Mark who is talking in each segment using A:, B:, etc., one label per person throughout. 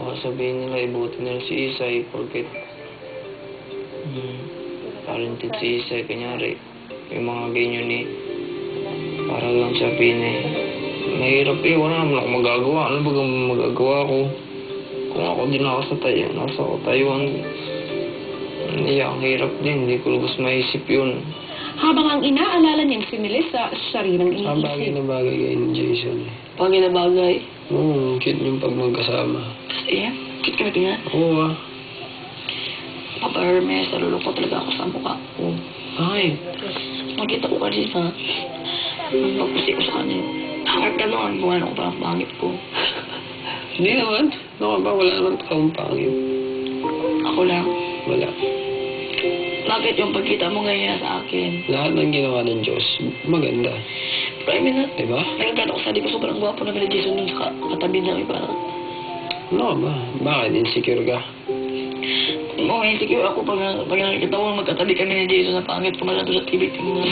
A: baka sabihin nila, ibuti nila si Isay, porket talented si Isay, kanyari, yung mga ganyan para lang sabihin mahirap wala naman ako magagawa. Ano ba magagawa ko? Kung ako din nasa Taiwan, ang hirap din, hindi ko lubos maisip yun.
B: Habang ang inaalala niyang si Melissa, siya rin ang
A: Ang bagay
B: iniisip.
A: na bagay kayo ni Jason.
C: Bagay na bagay.
A: Cute yung pag magkasama.
C: Eh, cute ka na tingnan.
A: Oo
C: Papa Hermes, nalulungkot talaga ako sa mukha ko.
A: Ay,
C: Makita ko kanina, pagpusi ko sa kanya, harap ka noon, buwan ako parang pangit ko.
A: hindi naman. Ano ba? Wala naman taong pangit.
C: Ako lang.
A: Wala.
C: Bakit yung pagkita mo ngayon sa akin?
A: Lahat ng ginawa ng Diyos, maganda.
C: Pero I mean,
A: Diba?
C: nagagano ko sa di ko sobrang gwapo na nila Jason dun sa katabi na parang,
A: Ano ba? Bakit? Insecure ka?
C: Oo, insecure ako pag nakikita ko magkatabi kami ni Jason na pangit ko masyado sa TV tingnan.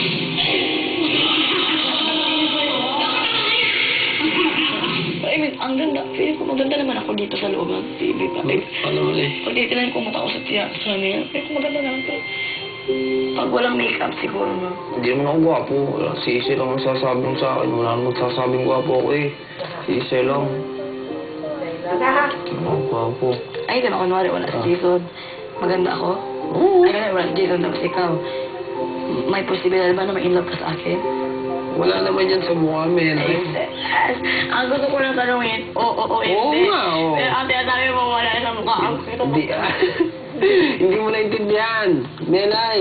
C: I mean, ang ganda. Feeling ko maganda naman ako dito sa loob ng TV.
A: Ano mo
C: Pag titinan ko mukha ko sa tiya, sa niya, feeling ko maganda naman to. Pag walang makeup siguro na.
A: Hindi naman ako gwapo. Si Isay lang ang sasabing sa akin. Wala naman sasabing gwapo ako Si Isay lang. Ano ako gwapo?
C: Ay, di ba kunwari wala si Jason. Maganda ako?
A: Oo.
C: Ay, ganun, wala si Jason tapos ikaw. May posibilidad ba na ma-in love ka sa akin?
A: Wala naman yan sa mukha, men.
C: Yes. Ang gusto ko lang tanungin, oo,
A: Oo
C: hindi.
A: nga, oo.
C: Pero ang tinasabi mo wala sa mukha.
A: Hindi, hindi mo naintindihan. Menay.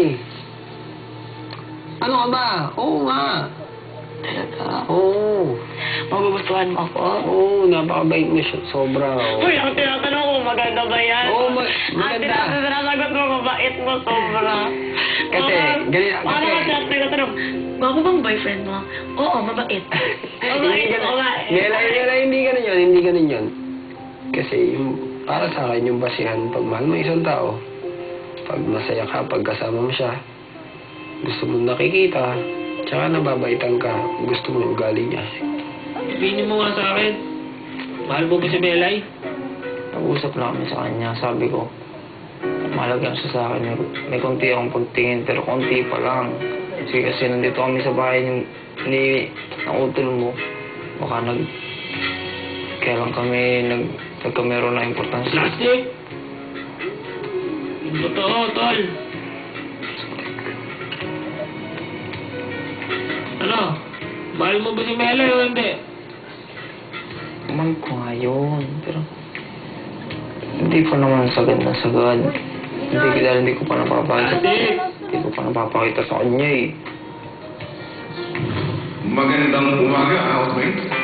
A: Ano ka ba? Oo nga.
C: Talaga.
A: Oo.
C: Magugustuhan mo ako?
A: Oo, napakabait mo siya. Sobra.
C: Uy, ang tinatanong ko, maganda ba yan?
A: Oo, maganda.
C: Ang sinasagot mo, mabait mo, sobra.
A: Kasi, ganyan,
C: Paano
A: kasi-
C: ka tinatanong? Gwapo bang boyfriend mo? Oo, mabait. Mabait, mabait.
A: Menay, hindi ganun yun. Hindi ganun yun. Kasi, para sa akin, yung basihan, pag mahal mo isang tao, pag masaya ka, pag kasama mo siya, gusto mo nakikita, tsaka nababaitan ka, gusto mo yung ugali niya.
D: Sabihin mo nga sa akin. Mahal mo ba si Belay?
A: Nag-usap na kami sa kanya, sabi ko, mahalaga siya sa akin. May konti akong pagtingin, pero konti pa lang. Kasi nandito kami sa bahay ni utol mo. Baka kaya lang kami nagkameron na importansya.
D: Plastic! Yung totoo, tol. Ano? Mahal mo ba si Belay o hindi?
A: Mahal ko nga yun, pero hindi pa naman sagad na sagad. Hindi ko pa napapakita. Hindi ko pa napapakita sa kanya
E: Magandang umaga, housemate.